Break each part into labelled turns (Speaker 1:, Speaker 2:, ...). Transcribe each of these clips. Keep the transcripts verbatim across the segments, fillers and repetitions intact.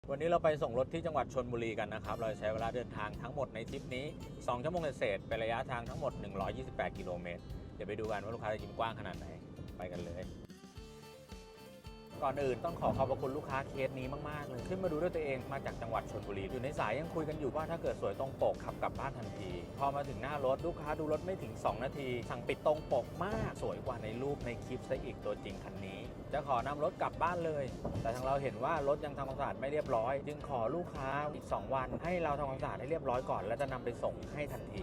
Speaker 1: วันนี้เราไปส่งรถที่จังหวัดชลบุรีกันนะครับเราใช้เวลาเดินทางทั้งหมดในทริปนี้สองชั่วโมงเศษเป็นระยะทางทั้งหมดหนึ่งร้อยยี่สิบแปดกิโลเมตรเดี๋ยวไปดูกันว่าลูกค้าจะยิ้มกว้างขนาดไหนไปกันเลยก่อนอื่นต้องขอขอบพระคุณลูกค้าเคสนี้มากๆเลยขึ้นมาดูด้วยตัวเองมาจากจังหวัดชลบุรีอยู่ในสายยังคุยกันอยู่ว่าถ้าเกิดสวยตรงปกขับกลับบ้านทันทีพอมาถึงหน้ารถลูกค้าดูรถไม่ถึงสองนาทีสั่งปิดตรงปกมากสวยกว่าในรูปในคลิปซะอีกตัวจริงคันนี้จะขอนำรถกลับบ้านเลยแต่ทางเราเห็นว่ารถยังทำความสะอาดไม่เรียบร้อยจึงขอลูกค้าอีกสองวันให้เราทำความสะอาดให้เรียบร้อยก่อนแล้วจะนำไปส่งให้ทันที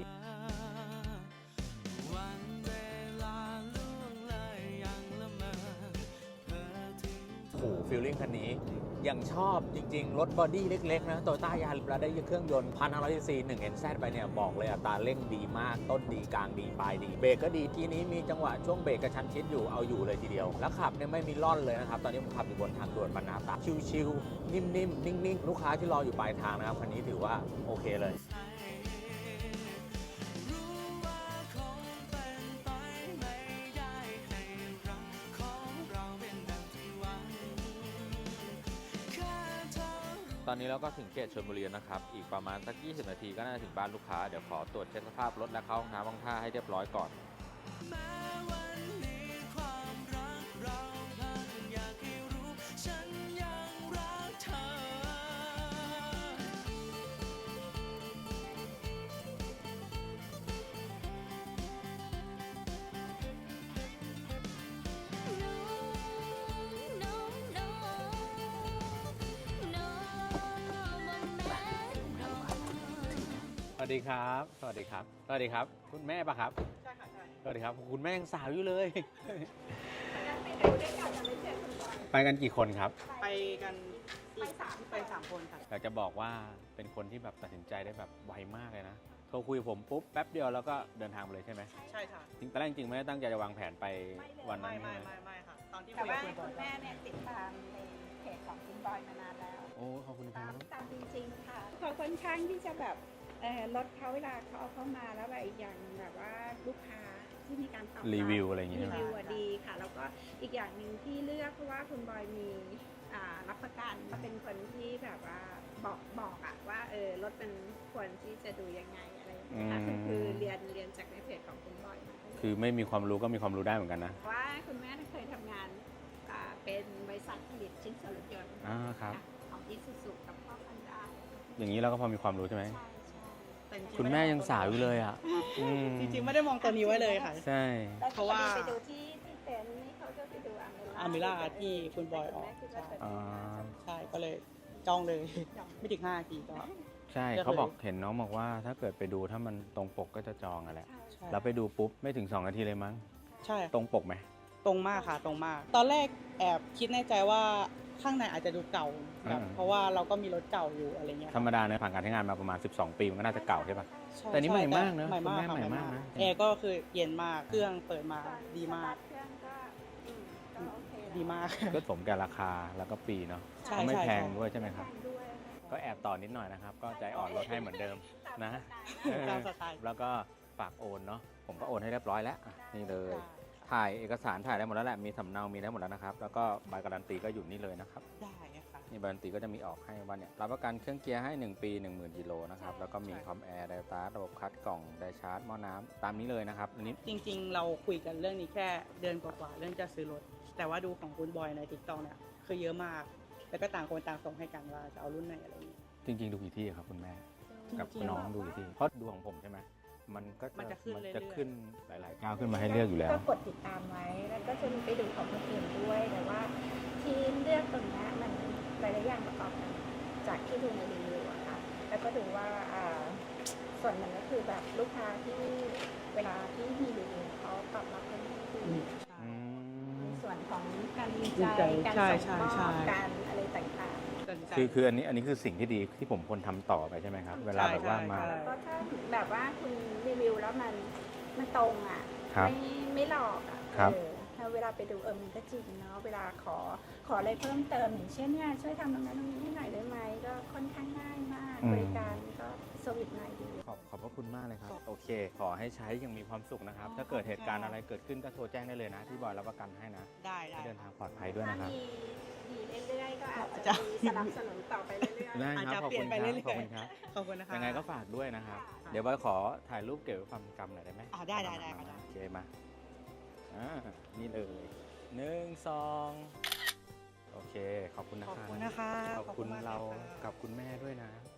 Speaker 1: โอ้โหฟีลลิ่งคันนี้ยังชอบจริงๆรถบอดี้เล็กๆนะโตโยต้ายาริสได้เครื่องยนต์ หนึ่งพันห้าร้อยซีซี หนึ่ง เอ็น แซด ไปเนี่ยบอกเลยอัตราเร่งดีมากต้นดีกลางดีปลายดีเบรกก็ดีทีนี้มีจังหวะช่วงเบรกกระชั้นชิดอยู่เอาอยู่เลยทีเดียวแล้วขับเนี่ยไม่มีล่อนเลยนะครับตอนนี้ผมขับอยู่บนทางด่วนบรรณาตราชิลๆนิ่มๆนิ่งๆลูกค้าที่รออยู่ปลายทางนะครับคันนี้ถือว่าโอเคเลยตอนนี้เราก็ถึงเขตชลบุรีนะครับอีกประมาณสักยี่สิบนาทีก็น่าจะถึงบ้านลูกค้าเดี๋ยวขอตรวจเช็คสภาพรถและเข้าห้องน้ำห้องท่าให้เรียบร้อยก่อนสวัสดีครับสวัสดีครับสวัสดีครับคุณแม่ปะครับ
Speaker 2: ใช่ค่ะใช่
Speaker 1: สวัสดีครับคุณแม่ยังสาวอยู่เลย
Speaker 2: ไปดูด้วยกันจะไม่เจอคนก่อน
Speaker 1: ไปกันกี่คนครับ
Speaker 2: ไปกันไปสามไปสามคนค่ะ
Speaker 1: อยากจะบอกว่าเป็นคนที่แบบตัดสินใจได้แบบไวมากเลยนะโทรคุยกับผมปุ๊บแป๊บเดียวแล้วก็เดินทางไปเลยใช่ไหม
Speaker 2: ใช่ค่ะ
Speaker 1: จริงตอนแรกจริงๆไม่ได้ตั้งใจจะวางแผนไปวันนั้น
Speaker 2: ไม่ไม่ไม่ค่ะตอนที่
Speaker 3: แต่
Speaker 2: คุย
Speaker 3: ว่า
Speaker 2: กับคุณบอย
Speaker 3: คุณแม่เนี่ยติดตามในเพจของคุณบอยมานานแล้ว
Speaker 1: โอ้ขอบคุณค
Speaker 3: ตา
Speaker 1: รั
Speaker 3: ม
Speaker 1: บ
Speaker 3: ตามจริงๆค่ะเขาค่อนข้างที่จะแบบเอ่อรถเขาเวลาเขาเอาเข้ามาแล้วแบบอีกอย่างแบบว่าลูกค้าที่มีการตอบ
Speaker 1: รีวิวอะไรอย่างเงี้ย
Speaker 3: รีวิวอะดีค่ะแล้วก็อีกอย่างหนึ่งที่เลือกเพราะว่าคุณบอยมีอ่ารับประกันเป็นคนที่แบบว่าบอกบอกอะว่าเออรถมันควรที่จะดูยังไงอะไรอย่างเงี้ยค่ะคือคือเรียนเรียนจากในเพจของคุณบอยมา
Speaker 1: คือไม่มีความรู้ก็มีความรู้ได้เหมือนกันนะ
Speaker 3: ว่าคุณแม่เคยทำงานอ่าเป็นบริษัทผลิตชิ้นส่วนรถยนต์
Speaker 1: อ่าครับ
Speaker 3: ของอิซูซุกับพ่อพันดา
Speaker 1: อย่างนี้เราก็พอมีความรู้ใช่ไหม
Speaker 3: ใช่ใช่
Speaker 2: แต่จริงๆ
Speaker 1: คุณแม่ยังสาวอยู่เลยอ่ะ
Speaker 2: จริงๆไม่ได้มองตัวนี้ไว้เลยค่ะ
Speaker 1: ใช่
Speaker 2: เพราะว่า
Speaker 3: ไปดูที่ที่เต็นท์นี่เขาก็ไปดูอามิล่า
Speaker 2: อามิล่าที่คุณบอยออก
Speaker 3: ใช่
Speaker 1: อ่า
Speaker 2: ใช่ก็เลยจองเลยไม่ถึงห้านาทีก็
Speaker 1: ใช่เขาบอกเห็นน้องบอกว่าถ้าเกิดไปดูถ้ามันตรงปกก็จะจองอ่ะแหละ
Speaker 2: ใช่
Speaker 1: เราไปดูปุ๊บไม่ถึงสองนาทีเลยมั้ง
Speaker 2: ใช่
Speaker 1: ตรงปกไหม
Speaker 2: ตรงมากค่ะตรงมาก ตอนแรกแอบคิดในใจว่าข้างในอาจจะดูเก่าแบบเพราะว่าเราก็มีรถเก่าอยู่อะไรเงี้ย
Speaker 1: ธรรมดาเนี่ยผ่านการใช้งานมาประมาณสิบสองปีมันก็น่าจะเก่าใช่ปะ
Speaker 2: ใช่
Speaker 1: แต่นี่ใหม่มากนะ
Speaker 2: ใหม่มาก
Speaker 1: คุณแม่
Speaker 2: ค่ะ
Speaker 1: ใหม่มากนะ
Speaker 2: แอร์ก็คือเย็นมากเครื่องเปิดมาดีมาก
Speaker 3: เครื่องก็อืมก็โอเคแล้ว
Speaker 2: ดีมาก
Speaker 1: ก็สมแก่ราคาแล้วก็ปีเนาะ
Speaker 2: ใช่
Speaker 1: ก็ไม่
Speaker 2: ใช่
Speaker 1: แพงด้วยใช่ไหมครับ
Speaker 3: แพงด้วย
Speaker 1: ก็แอบต่อนิดหน่อยนะครับก็ใจอ่อนลดให้เหมือนเดิมนะ
Speaker 2: ตามสไตล์
Speaker 1: แล้วก็ฝากโอนเนาะผมก็โอนให้เรียบร้อยแล้วอ่ะนี่เลยถ่ายเอกสารถ่ายได้หมดแล้วแหละมีสำเนามีได้หมดแล้วนะครับแล้วก็ใบการันตีก็อยู่นี่เลยนะครับ
Speaker 2: ได้ค่ะ
Speaker 1: นี่ใบการันตีก็จะมีออกให้ว่าเนี่ยรับประกันเครื่องเกียร์ให้หนึ่งปี หนึ่งหมื่นกิโลนะครับแล้วก็มีคอมแอร์ไดสตาร์ทระบบคัดกล่องไดชาร์จหม้อน้ำตามนี้เลยนะครับอันนี้
Speaker 2: จริงๆ เราคุยกันเรื่องนี้แค่เดือนกว่าๆเรื่องจะซื้อรถแต่ว่าดูของคุณบอยในทิกตอกเนี่ยคือเยอะมากแล้วก็ต่างคนต่างส่งให้กันว่าจะเอารุ่นไหนอะไรอย่างนี้
Speaker 1: จริงๆ ดูกี่ที่ครับคุณแม่
Speaker 2: จริงๆ
Speaker 1: กับน้องดูกี่ที่เพราะดูของผมใช่ไหมมันก็
Speaker 2: มันจะขึ้น
Speaker 1: มัน
Speaker 2: เรื่อยๆ
Speaker 1: จะขึ้นหลายๆก้าวขึ้นมาให้เลือกอยู่แล้ว
Speaker 3: ก็กดติดตามไว้แล้วก็จะมีไปดูของคนอื่นด้วยแต่ว่าที่เลือกตรงนี้มันหลายๆอย่างประกอบกันจากที่ดูในรีวิวอะค่ะแล้วก็ดูว่าอ่าส่วนหนึ่งก็คือแบบลูกค้าที่เวลาที่มีรีวิวเขาตอบรับกันที่ดี
Speaker 1: อืม
Speaker 3: ในส่วนของการวิ
Speaker 2: วิ
Speaker 3: จั
Speaker 2: จั
Speaker 3: ย
Speaker 2: ย
Speaker 3: การ
Speaker 2: ใช่
Speaker 3: ส่งม
Speaker 2: ใช่
Speaker 3: อบ
Speaker 2: ใช่
Speaker 3: การอะไรต่างๆ
Speaker 2: ตัดสินใจ
Speaker 1: คือคืออันนี้อันนี้คือสิ่งที่ดีที่ผมควรทำต่อไปใช่ไหมครับ เวลาแบบว่ามา
Speaker 2: ใช่
Speaker 3: แล้วก็ถ้าแบบว่าคุณรีวิวแล้วมันมันตรงอ่ะ
Speaker 1: ครับ
Speaker 3: ไม่ไม่หลอกอ่ะ
Speaker 1: ครับ
Speaker 3: เออถ้าเวลาไปดูเออมันก็จริงเนาะเวลาขอขออะไรเพิ่มเติมอย่างเช่นเนี่ยช่วยทำตรงนั้นตรงนี้ให้หน่อยได้ไหมก็ค่อนข้างง่ายมากบริการก็สวิตไนดี
Speaker 1: ขอบขอบพระคุณมากเลยครับ โอเค ขอให้ใช้อยังมีความสุขนะครับ ถ้าเกิดเหตุการณ์อะไรเกิดขึ้นก็โทรแจ้งได้เลยนะ ที่บอยรับประกันให้นะ
Speaker 2: ได้ได้
Speaker 1: ให้เดินทางปลอดภัยด้วย
Speaker 3: ถ้า
Speaker 1: นะครับ
Speaker 3: มีดีเรื่อยๆก็อาจ
Speaker 2: จะ
Speaker 3: จะมีสนับสนุนต่อไปเรื่อย
Speaker 1: ได้
Speaker 2: อาจ
Speaker 1: ครับ
Speaker 2: จะ
Speaker 1: ขอบ
Speaker 2: เปลี่
Speaker 1: คุ
Speaker 2: ยน
Speaker 1: ณ
Speaker 2: ไป
Speaker 1: ค
Speaker 2: เรื่
Speaker 1: รับ
Speaker 2: อยๆ
Speaker 1: ขอบคุณครับ
Speaker 2: ขอบคุณนะคะ
Speaker 1: ยังไงก็ฝากด้วยนะครับ
Speaker 3: ค่ะ
Speaker 1: เดี๋ยวบอยขอถ่ายรูปเก็บไว้ความจำหน่อยได้ไหม
Speaker 2: อ๋อได้ได้ได้ค่ะได้
Speaker 1: โอเคมาอ่านี่เลยหนึ่งสองโอเค ขอบคุณนะ
Speaker 2: ขอบ
Speaker 1: ครับ
Speaker 2: คุณนะคะ
Speaker 1: ขอบคุณ
Speaker 2: มก
Speaker 1: เรา
Speaker 2: ลยค่ะ
Speaker 1: กับคุณแม่ด้วยนะ